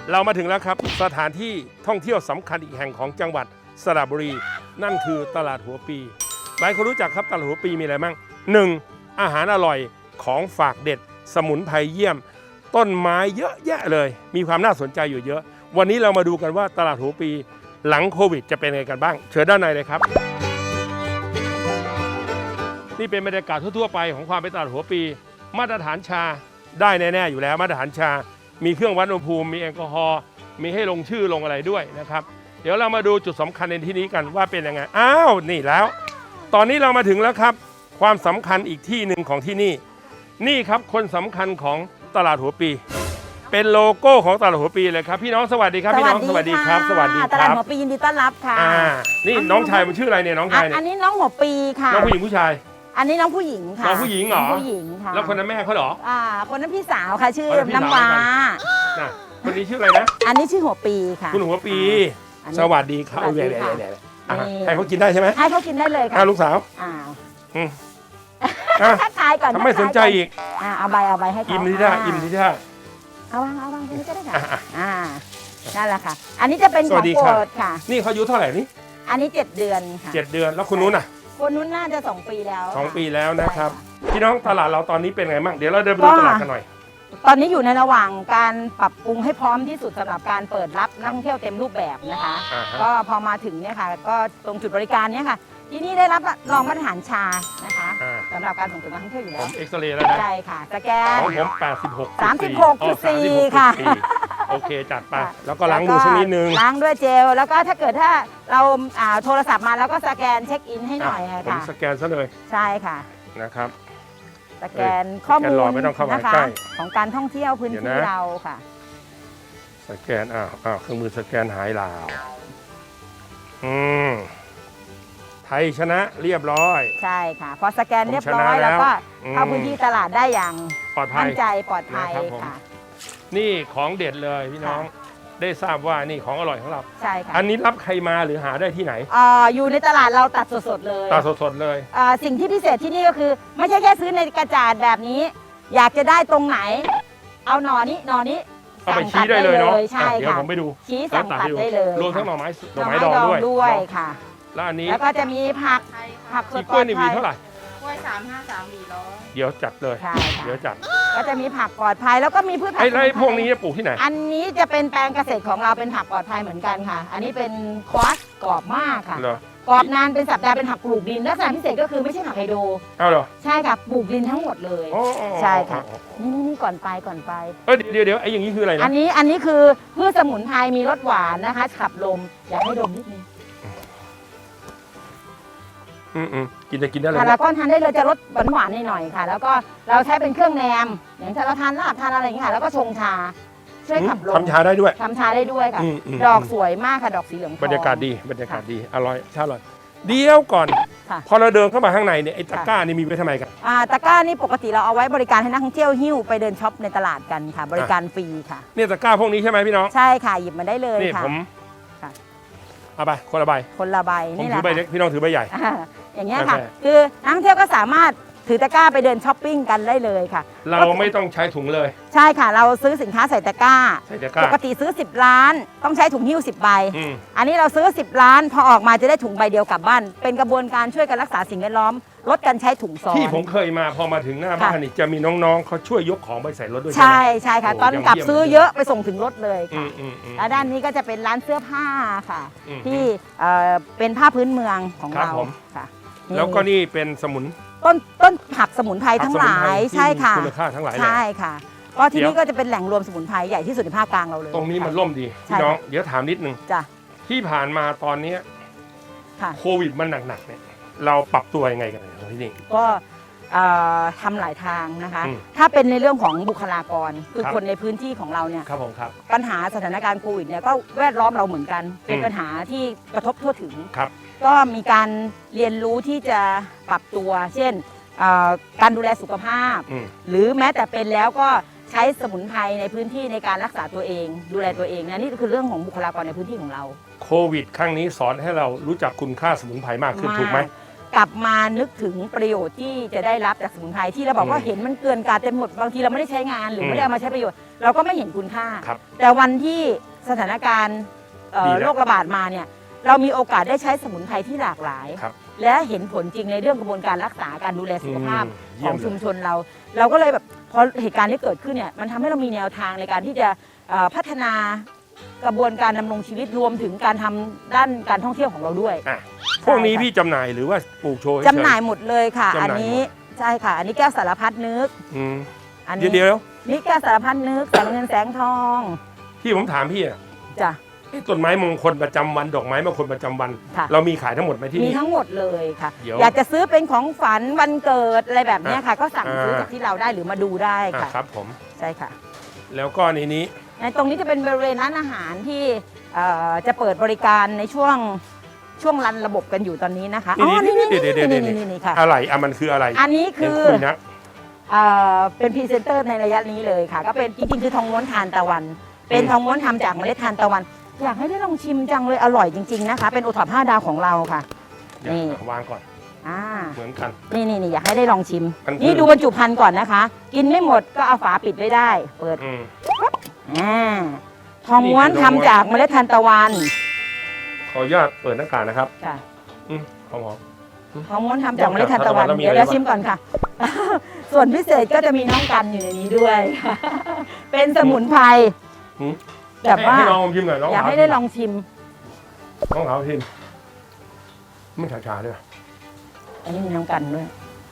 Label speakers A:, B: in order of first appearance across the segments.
A: เรามาถึงแล้วครับสถานที่ท่องเที่ยวสำคัญอีกแห่งของจังหวัดสระบุรีนั่นคือตลาดหัวปีหลายคนรู้จักครับตลาดหัวปีมีอะไรบ้าง 1. อาหารอร่อยของฝากเด็ดสมุนไพรเยี่ยมต้นไม้เยอะแยะเลยมีความน่าสนใจอยู่เยอะวันนี้เรามาดูกันว่าตลาดหัวปีหลังโควิดจะเป็นยังไงกันบ้างเชิญด้านในเลยครับนี่เป็นบรรยากาศทั่วๆไปของความเป็นตลาดหัวปีมาตรฐานชาได้แน่ๆอยู่แล้วมาตรฐานชามีเครื่องวัดอุณหภูมิมีแอลกอฮอล์มีให้ลงชื่อลงอะไรด้วยนะครับเดี๋ยวเรามาดูจุดสำคัญในที่นี้กันว่าเป็นยังไงอ้าวนี่แล้วตอนนี้เรามาถึงแล้วครับความสำคัญอีกที่หนึ่งของที่นี่นี่ครับคนสำคัญของตลาดหัวปีเป็นโลโก้ของตลาดหัวปีเลยครับพี่น้องสวัสดีครับพี่น้องสวัสดีครับสวัสดีครับ
B: ตลาดหัวปียินดีต้อนรับค่ะ
A: นี่น้องชายมันชื่ออะไรเนี่ยน้องชายเนี่ย
B: อันนี้น้องหัวปีค่ะ
A: น้องผู้หญิงผู้ชาย
B: อันนี้น้องผู้หญิงค่ะ
A: น้องผู้หญิงเหรอ
B: ผู้หญิงค่ะ
A: แล้วคนนั้นแม่เขาเหรอ
B: คนนั้นพี่สาวค่ะชื่อน้ำว้า
A: คนนี้ชื่ออะไรนะ
B: อันนี้ชื่อหัวปีค่ะ
A: คุณหัวปีสวัสดีครับเอาเลยให้เขากินได้ใช่ไหม
B: ให้เขากินได้เลยค่ะ
A: ลูกสาว
B: ทักทายก่อน
A: ทำไมสนใจอีก
B: เอาใบให้เขา
A: อิ่มที่ท่าอิ่มที่ท่า
B: เอาวางตรงนี้ก็ได้ค่ะนั่นแหละค่ะอันนี้จะเป็นของโปรดค่ะ
A: นี่เขาอายุเท่าไหร่นี่
B: อันนี้7 เดือนค่ะ
A: 7 เดือนแล้วคนนู้นน่ะ
B: คนนู้นน่าจะ2 ปีแล้ว
A: 2 ปีแล้วนะครับพี่น้องตลาดเราตอนนี้เป็นไงบ้างเดี๋ยวเราเดินไปดูตลาดกันหน่อย
B: ตอนนี้อยู่ในระหว่างการปรับปรุงให้พร้อมที่สุดสำหรับการเปิดรับนักท่องเที่ยวเต็มรูปแบบนะคะก็พอมาถึงเนี่ยค่ะก็ตรงจุดบริการเนี่ยค่ะที่นี่ได้รับรองมาตรฐานชานะคะสำหรับการส่งเสริมนักท่องเที่ยวอยู่แล้ว
A: ผมเอ็กซเรย์แล้วนะ
B: ใช่ค่ะสแกน
A: ของผม
B: 36.4ค่ะ
A: โอเคจัดไปแล้วก็ล้างมือสักนิดนึง
B: ล้างด้วยเจลแล้วก็ถ้าเกิดถ้าเราโทรศัพท์มาแล้วก็สแกนเช็คอินให้หน่อยค่ะ
A: ผมสแกนซะเลย
B: ใช่ค่ะ
A: นะครับ
B: สแกนข้อมูล
A: นะคะ
B: ของการท่องเที่ยวพื้นที่เราค่ะ
A: สแกนเครื่องมือสแกนหายลาวไทยชนะเรียบร้อย
B: ใช่ค่ะพอสแกนเรียบร้อยแล้วก็เข้าพื้นที่ตลาดได้อย่าง
A: ปลอดภัย
B: มั่นใจปลอดภัยค่ะ
A: นี่ของเด็ดเลยพี่น้องได้ทราบว่านี่ของอร่อยของเรา
B: ใช่ค่ะ
A: อันนี้รับใครมาหรือหาได้ที่ไหน
B: อยู่ในตลาดเราตัดสดๆเลย
A: ตัดสดๆเลย
B: สิ่งที่พิเศษที่นี่ก็คือไม่ใช่แค่ซื้อในกระจาดแบบนี้อยากจะได้ตรงไหนเอาหน่อนี้
A: เอาไปชี้ได้เลยเนาะ
B: ใช่ค่ะ
A: เดี๋ยวผมไปดู
B: ชี้สั่งตัดได้เลย
A: รวมทั้งหน่อไม้ดอง
B: ด้วยค่ะ
A: แล้วอันนี้
B: แล้วก็จะมีผักสด
A: กล้วยนี่มีเท่าไหร่
C: กล้วย353 วี100
A: เดี๋ยวจัดเลยเดี๋ยวจัด
B: ก็จะมีผักปลอดภัยแล้วก็มีพืชผัก
A: ไอ้พวกนี้ปลูกที่ไหน
B: อันนี้จะเป็นแปลงเกษตรของเราเป็นผักปลอดภัยเหมือนกันค่ะอันนี้เป็นคอสกรอบมากค่ะกรอบนานเป็นสัปดาห์เป็นผักปลูกดินลักษณะพิเศษก็คือไม่ใช่ผักไฮโดร
A: เอาเหรอ
B: ใช่ค่ะปลูกดินทั้งหมดเลยใช่ค่ะนี่ก่อนไป
A: เดี๋ยวไอ้อย่างนี้คืออะไรนะ
B: อันนี้คือพืชสมุนไพรมีรสหวานนะคะขับลมอยากให้ดมนิดนึง
A: กินได้เลย
B: แล้วก็ทานได้เลยจะรสหวานๆหน่อยๆค่ะแล้วก็เราใช้เป็นเครื่องแนมอย่างถ้าเราทานลาบทานอะไรอย่างเงี้ยค่ะแล้วก็ชงชาช่วยขับลม
A: ทำชาได้ด้วย
B: ค่ะดอกสวยมากค่ะดอกสีเหลือง
A: บรรยากาศดีอร่อยชาอร่อยเดี๋ยวก่อนพอเราเดินเข้ามาข้างในเนี่ยไอ้ตะกร้านี่มีไว้ทำไมกัน
B: ตะกร้านี่ปกติเราเอาไว้บริการให้นักท่องเที่ยวหิ้วไปเดินช็อปในตลาดกันค่ะบริการฟรีค่ะ
A: เนี่ยตะกร้าพวกนี้ใช่ไหมพี่น้อง
B: ใช่ค่ะหยิบมาได้เลยค่ะ
A: ผมเอาไปคนละใบ
B: นี่แหละ
A: ถือใบเล็กพี่น้องถือใบใหญ่
B: อย่างเงี้ยค่ะคือนักท่องเที่ยวก็สามารถถือตะกร้าไปเดินช้อปปิ้งกันได้เลยค่ะ
A: เราไม่ต้องใช้ถุงเลย
B: ใช่ค่ะเราซื้อสินค้าใส่ตะกร้าปกติซื้อ10 ล้านต้องใช้ถุงหิ้ว10 ใบอันนี้เราซื้อ10 ล้านพอออกมาจะได้ถุงใบเดียวกลับบ้านเป็นกระบวนการช่วยกันรักษาสิ่งแวดล้อมลดการใช้ถุงซ้อน
A: ที่ผมเคยมาพอมาถึงหน้าบ้านนี่จะมีน้องๆเขาช่วยยกของไปใส่รถด้วย
B: ใช่ค่ะตอนกลับซื้อเยอะไปส่งถึงรถเลยค่ะและด้านนี้ก็จะเป็นร้านเสื้อผ้าค่ะที่เป็นผ้าพื้นเมืองของเราค่ะ
A: แล้วก็นี่เป็นสมุน
B: ต้นผักสมุนไพรทั้งหลายใช่ค่ะ
A: คุณค่าทั้งหลาย
B: ใช่ค่ะก็ที่นี่ก็จะเป็นแหล่งรวมสมุนไพรใหญ่ที่สุดในภาคกลางเราเลย
A: ตรงนี้มันร่มดีพี่น้องเดี๋ยวถามนิดนึงที่ผ่านมาตอนนี้โควิดมันหนักๆเนี่ยเราปรับตัวยังไงกันที่นี่
B: ก็ทำหลายทางนะคะถ้าเป็นในเรื่องของบุคลากรคือคนในพื้นที่ของเราเนี่ยปัญหาสถานการณ์โควิดเนี่ยก็แวดล้อมเราเหมือนกันเป็นปัญหาที่กระทบทั่วถึงก็มีการเรียนรู้ที่จะปรับตัวเช่นการดูแลสุขภาพหรือแม้แต่เป็นแล้วก็ใช้สมุนไพรในพื้นที่ในการรักษาตัวเองดูแลตัวเองนะนี่คือเรื่องของบุคลากรในพื้นที่ของเรา
A: โควิดครั้งนี้สอนให้เรารู้จักคุณค่าสมุนไพรมากขึ้นถูกไหม
B: กลับมานึกถึงประโยชน์ที่จะได้รับจากสมุนไพรที่เราบอกว่าเห็นมันเกลื่อนกลาดเต็มหมดบางทีเราไม่ได้ใช้งานหรือไม่ได้เอามาใช้ประโยชน์เราก็ไม่เห็นคุณค่า แต่วันที่สถานการณ์โรคระบาดมาเนี่ยเรามีโอกาสได้ใช้สมุนไพรที่หลากหลาย และเห็นผลจริงในเรื่องกระบวนการรักษาการดูแลสุขภาพของชุมชนเราก็เลยแบบพอเหตุการณ์ที่เกิดขึ้นเนี่ยมันทำให้เรามีแนวทางในการที่จะพัฒนากระบวนการดำรงชีวิตรวมถึงการทำด้านการท่องเที่ยวของเราด้วย
A: พวกนี้พี่จำหน่ายหรือว่าปลูกโชว์
B: จำหน่ายหมดเลยค่ะอันนี้ใช่ค่ะอันนี้แก้วสารพัดนึก
A: อันนี้เดียว
B: นี่แก้วสารพัดนึกแสงเงินแสงทอง
A: ที่ผมถามพี่อะ
B: จ้ะ
A: ต้นไม้มงคลประจำวันดอกไม้มงคลประจำวันเรามีขายทั้งหมดไหมที่นี่
B: มีทั้งหมดเลยค่ะอยากจะซื้อเป็นของฝันวันเกิดอะไรแบบนี้ค่ะก็สั่งซื้อจากที่เราได้หรือมาดูได้ค่ะ
A: ครับผม
B: ใช่ค่ะ
A: แล้วก็ในนี้
B: ตรงนี้จะเป็นบริเวณร้านอาหารที่จะเปิดบริการในช่วงรันระบบกันอยู่ตอนนี้นะคะ
A: อ๋อนี่ค่ะอะไรมันคืออะไร
B: อันนี้คือเป็นพรีเซนเตอร์ในระยะนี้เลยค่ะก็เป็นจริงๆคือทองม้วนทานตะวันเป็นทองม้วนทำจากเมล็ดทานตะวันอยากให้ได้ลองชิมจังเลยอร่อยจริงๆนะคะเป็นโอท็อป5 ดาวของเราค่ะ
A: นี่วางก่อนเหมือนกัน
B: นี่อยากให้ได้ลองชิมนี่ดูบรรจุภัณฑ์ก่อนนะคะกินไม่หมดก็เอาฝาปิดไว้ได้เปิดทองม้วนทำจากเมล็ดทานตะวัน
A: ขออนุญาตเปิดหน้ากากนะครับ
B: ค่ะ
A: หอม
B: ทองม้วนทำจากเมล็ดทานตะวันเดี๋ยวชิมก่อนค่ะส่วนพิเศษก็จะมีน้องกันอยู่ในนี้ด้วยเป็นสมุนไพรแบบว่า
A: ให้ลองชิมหน่อย
B: อยากให้ได้ลองชิม
A: น้องเขาชิมไม่ชาด้วย
B: อันนี้มีน้ำกันด้วย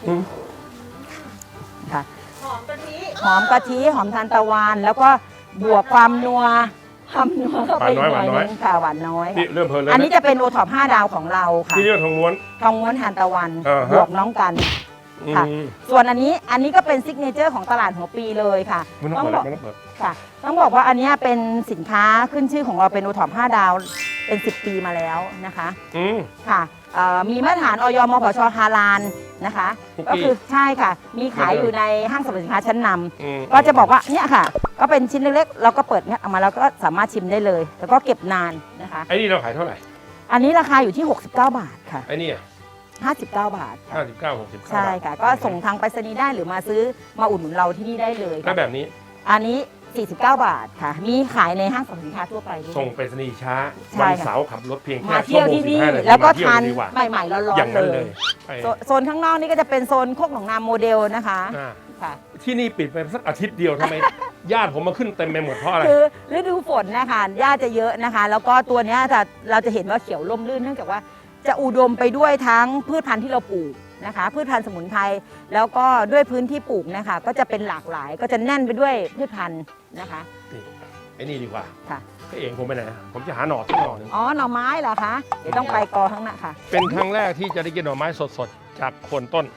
B: ค่ะ
C: หอมกะทิ
B: หอมทานตะวันแล้วก็บวกความนัวเข้าไปหน่อยนึงค่ะหวานน้อย
A: นี่เริ่มเพลินเลย
B: อันนี้จะเป็นโอท็อป5 ดาวของเราค่ะ
A: ที่เรียกทองม้
B: วนทานตะวันบวกน้องกันค่ะส่วนอันนี้ก็เป็นซิกเนเจอร์ของตลาดหัวปีเลยค่ะ
A: ต้องบอก
B: ค่ะต้องบอกว่าอันนี้เป็นสินค้าขึ้นชื่อของเราเป็นโอท็อป5 ดาวเป็น10 ปีมาแล้วนะคะค่ะมีมาตรฐานอยมผช.ฮาลาลนะคะก็คือใช่ค่ะมีขายอยู่ในห้างสรรพสินค้าชั้นนำก็จะบอกว่าเนี่ยค่ะก็เป็นชิ้นเล็กๆเราก็เปิดเนี่ยออกมาแล้วก็สามารถชิมได้เลยแล้วก็เก็บนานนะคะ
A: ไอ้นี่เราขายเท่าไหร่
B: อันนี้ราคาอยู่ที่69 บาทค่ะ
A: ไอ้นี่
B: 59 บาท
A: 59
B: ใช่ค่ะก็ส่งทางไปรษณีย์ได้หรือมาซื้อมาอุดหนุนเราที่นี่ได้เลย
A: แล้วแบบนี้
B: อันนี้49 บาทค่ะมีขายในห้างสรรพสินค้าทั่วไป
A: ส่งไปรษณีย์ช้าวันเสาร์ขับรถเพียงแค่
B: มาเที่ยวที่นี่แล้วก็ทานใหม่ๆร้อนๆเลยโซนข้างนอกนี่ก็จะเป็นโซนโคกหนองนาโมเดลนะคะ
A: ค่ะที่นี่ปิดไปสักอาทิตย์เดียวทำไมญาติผมมาขึ้นเต็มไปหมดเพราะอะไร
B: คือฤดูฝนนะคะญาติจะเยอะนะคะแล้วก็ตัวนี้เราจะเห็นว่าเขียวร่มรื่นเนื่องจากว่าจะอุดมไปด้วยทั้งพืชพันธุ์ที่เราปลูกนะคะพืชพันธุ์สมุนไพรแล้วก็ด้วยพื้นที่ปลูกนะคะก็จะเป็นหลากหลายก็จะแน่นไปด้วยพืชพันธุ์นะคะ
A: ไอ้นี่ดีกว่า
B: ค่ะ
A: พี่เองผมไปไหนผมจะหาหน่อสักหน่อนึง
B: อ๋อหน่อไม้เหรอคะเดี๋ยวต้องไปกอข้างหน้าค่ะ
A: เป็นครั้งแรกที่จะได้กินหน่อไม้สดๆจากโคนต้น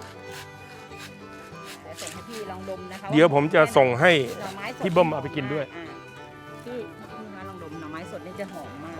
A: เดี๋ยวผมจะส่งให้พี่เบิ้มเอาไปกินด้วย
B: พี่มาลองดมหน่อไม้สดนี่จะหอมมาก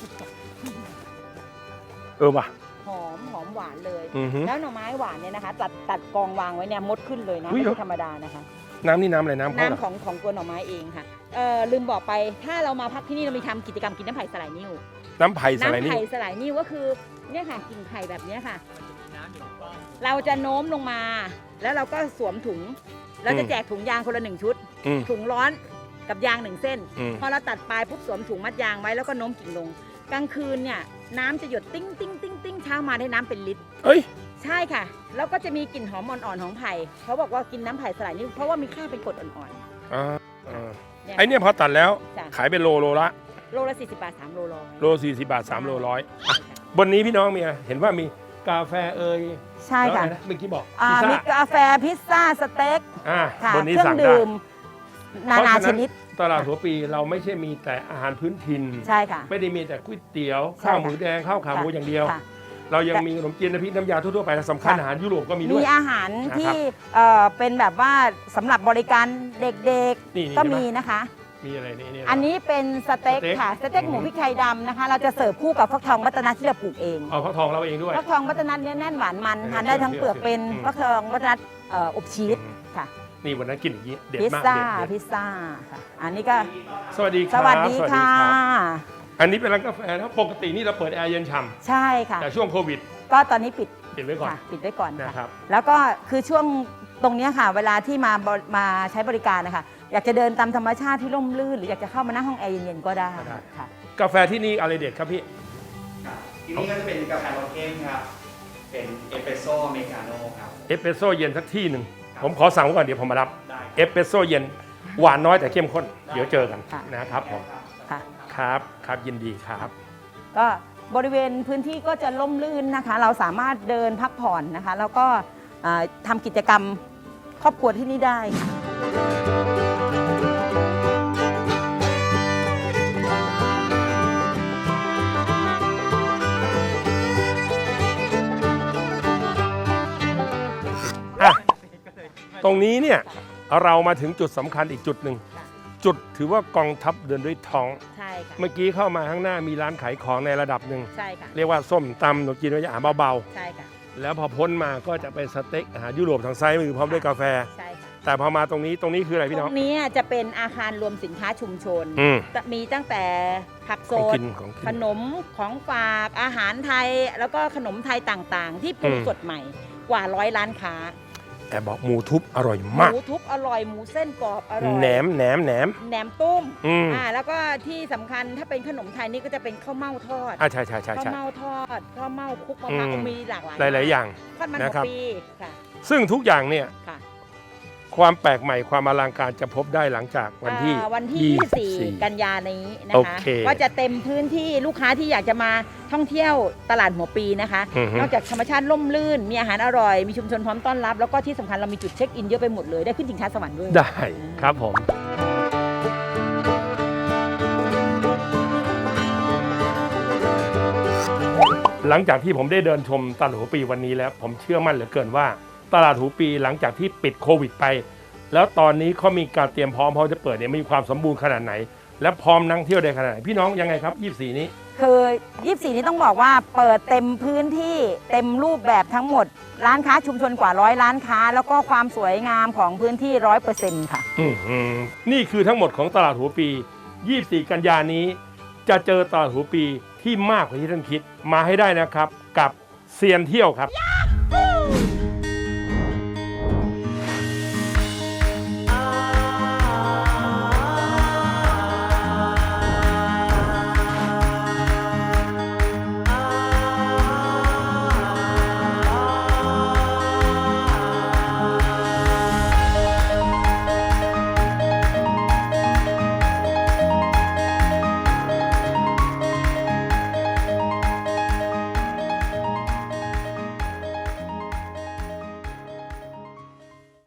A: ว่ะ
B: หอมหวานเลยแล้วหน่อไม้หวานเนี่ยนะคะตัดกองวางไว้เนี่ยมดขึ้นเลยนะไม่ใช่ธรรมดานะคะ
A: น้ำนี่น้ำอะไรน้ำ
B: ของตัวหน่อไม้เองค่ะลืมบอกไปถ้าเรามาพักที่นี่เรามีทำกิจกรรมกินน้ำไผ่สลายนิ่ว
A: น้ำไผ่สลาย
B: นิ่วก็คือเนี่ยค่ะกิ่งไผ่แบบนี้ค่ะเราจะโน้มลงมาแล้วเราก็สวมถุงเราจะแจกถุงยางคนละ1 ชุดถุงร้อนกับยาง1 เส้นพอเราตัดปลายปุ๊บสวมถุงมัดยางไว้แล้วก็โน้มกิ่งลงกลางคืนเนี่ยน้ำจะหยดติ้งติ้งติ้งติ้งเช้ามาได้น้ำเป็นลิตรใช่ค่ะแล้วก็จะมีกลิ่นหอมอ่อนๆของไผ่เขาบอกว่ากินน้ำไผ่สลายนี่เพราะว่ามีค่าเป็นกรดอ่อน
A: ๆไอ้เนี่ยพอตัดแล้วขายเป็นโลละ
B: 40 บาท3 โลร้อย
A: โล40 บาท3 โลร้อยบนนี้พี่น้องมีอะไรเห็นว่ามีกาแฟ
B: ใช่ค่ะ
A: เมื่อกี้บอก
B: มีกาแฟพิซซ่าสเต็ก
A: บนนี้สั่งได้
B: นานาชนิด
A: ตลาดหัวปีเราไม่ใช่มีแต่อาหารพื้นถิ่น
B: ใช่ค่ะ
A: ไม่ได้มีแต่ก๋วยเตี๋ยวข้าวหมูแดงข้าวขาหมูอย่างเดียวเรายังมีขนมจีนน้ำพริกน้ำยาทั่วๆไปสำคัญอาหารยุโรปก็มีด้วย
B: มีอาหารที่เป็นแบบว่าสำหรับบริการเด็กๆก็มีนะคะ
A: มีอะไรนี่
B: อันนี้เป็นสเต็กค่ะสเต็กหมูพริกไทยดำนะคะเราจะเสิร์ฟคู่กับฟักทองวัฒนัทที่เราปลูกเอง
A: ฟักทองเราเองด้วย
B: ฟักทองวัฒนัทเนี่ยแน่นหวานมันทานได้ทั้งเปลือกเป็นฟักทองวัฒนัทอบชีสค่ะ
A: นี่วันนั้นกินอย่างนี้เด็ดมาก
B: พิซซ่าค่ะอันนี้ก็
A: สวัสดี
B: ค่ะ
A: อันนี้เป็นร้านกาแฟนะปกตินี่เราเปิดแอร์เย็นฉ่ำ
B: ใช่ค่ะ
A: แต่ช่วงโควิด
B: ก็ตอนนี้ปิด
A: ปิดไว้ก่อน
B: ค่ะปิดไว้ก่อน
A: นะครั
B: ค่ะ
A: บ
B: แล้วก็คือช่วงตรงเนี้ยค่ะ เวลาที่มาใช้บริการนะคะอยากจะเดินตามธรรมชาติที่ร่มรื่นหรืออยากจะเข้ามานั่งห้องแอร์เย็นๆก็ได้ค่ะ
A: กาแฟที่นี่อะไรเด็ดครับพี่
D: ครับที่นี่ก็จะเป็นกาแฟรสเข้มครับ เป็นเอสเปรสโซ่อเมริกาโน่ครับ
A: เอสเปรสโซ่เย็นสักที่หนึ่งผมขอสั่งไว้ก่อนเดี๋ยวผมมารับ
D: ได้
A: เอสเปรสโซ่เย็นหวานน้อยแต่เข้มข้นเดี๋ยวเจอกัน
B: ค่ะ
A: นะครับผม
B: ค่ะ
A: ครับยินดีครับ
B: ก็บริเวณพื้นที่ก็จะร่มรื่นนะคะ เราสามารถเดินพักผ่อนนะคะ แล้วก็ทำกิจกรรมครอบครัวที่นี่ได้ค่ะ
A: อ่ะตรงนี้เนี่ยเรามาถึงจุดสำคัญอีกจุดหนึ่ง
B: ค่ะ
A: จุดถือว่ากองทัพเดินด้วยท้อง
B: ใช่ค่ะ
A: เมื่อกี้เข้ามาข้างหน้ามีร้านขายของในระดับหนึ่ง
B: ใช่ค่ะ
A: เรียกว่าส้มตำหนูกินไว้อาหารเบา
B: ใช่ค่ะ
A: ๆแล้วพอพ้นมาก็จะเป็นสเต็กอาหารยุโรปทางซ้ายมือพร้อมด้วยกาแฟ
B: ใช่ค่ะ
A: แต่พอมาตรงนี้คืออะไรพี่
B: ต
A: น้
B: ร
A: อง
B: งนี้จะเป็นอาคารรวมสินค้าชุมชน
A: อืม
B: จะมีตั้งแต่ผักส
A: ของ
B: ด
A: กินของกิ
B: ข
A: น
B: นมของฝากอาหารไทย แล้วก็ขนมไทยต่างๆ ที่ปรุง
A: อืม
B: สดใหม่กว่า100 ร้านค้า
A: แต่บอกหมูทุบอร่อย
B: ห
A: มาก
B: มูทุบอร่อยหมูเส้นกรอบอร่อย
A: แหนม
B: แหนมตุ้ม
A: อืม
B: แล้วก็ที่สำคัญถ้าเป็นขนมไทยนี่ก็จะเป็นข้าวเม่าทอด
A: ใช่
B: ข้าวเม่าทอดข้าวเม่าคลุกมะพร้าว
A: อืม
B: มีหลากหลาย
A: หลายๆอย่าง
B: ทอดมัน
A: นะครับ
B: หัวปีค่ะ
A: ซึ่งทุกอย่างเนี่ย
B: ค่ะ
A: ความแปลกใหม่ความอลังการจะพบได้หลังจากวันที่
B: วันที่ 24 กันยานี้นะ
A: โอ
B: คะ
A: เค
B: ก็จะเต็มพื้นที่ลูกค้าที่อยากจะมาท่องเที่ยวตลาดหัวปีนะคะ
A: อือฮึ
B: นอกจากธรรมชาติร่มรื่น มีอาหารอร่อย มีชุมชนพร้อมต้อนรับ แล้วก็ที่สำคัญเรามีจุดเช็คอินเยอะไปหมดเลย ได้ขึ้นชิงช้าสวรรค์ด้วย
A: ได้ครับผม หลังจากที่ผมได้เดินชมตลาดหัวปีวันนี้แล้ว ผมเชื่อมั่นเหลือเกินว่า ตลาดหัวปีหลังจากที่ปิดโควิดไป แล้วตอนนี้เขามีการเตรียมพร้อมพอจะเปิดเนี่ยมีความสมบูรณ์ขนาดไหน และพร้อมนั่งเที่ยวได้ขนาดไหนพี่น้องยังไงครับ24นี้
B: คือ 24 นี้ต้องบอกว่าเปิดเต็มพื้นที่เต็มรูปแบบทั้งหมด ร้านค้าชุมชนกว่า100 ร้านค้า แล้วก็ความสวยงามของพื้นที่ 100% ค่ะ
A: นี่คือทั้งหมดของตลาดหัวปี 24 กันยานี้ จะเจอตลาดหัวปีที่มากกว่าที่ท่านคิดมาให้ได้นะครับ กับเซียนเที่ยวครับ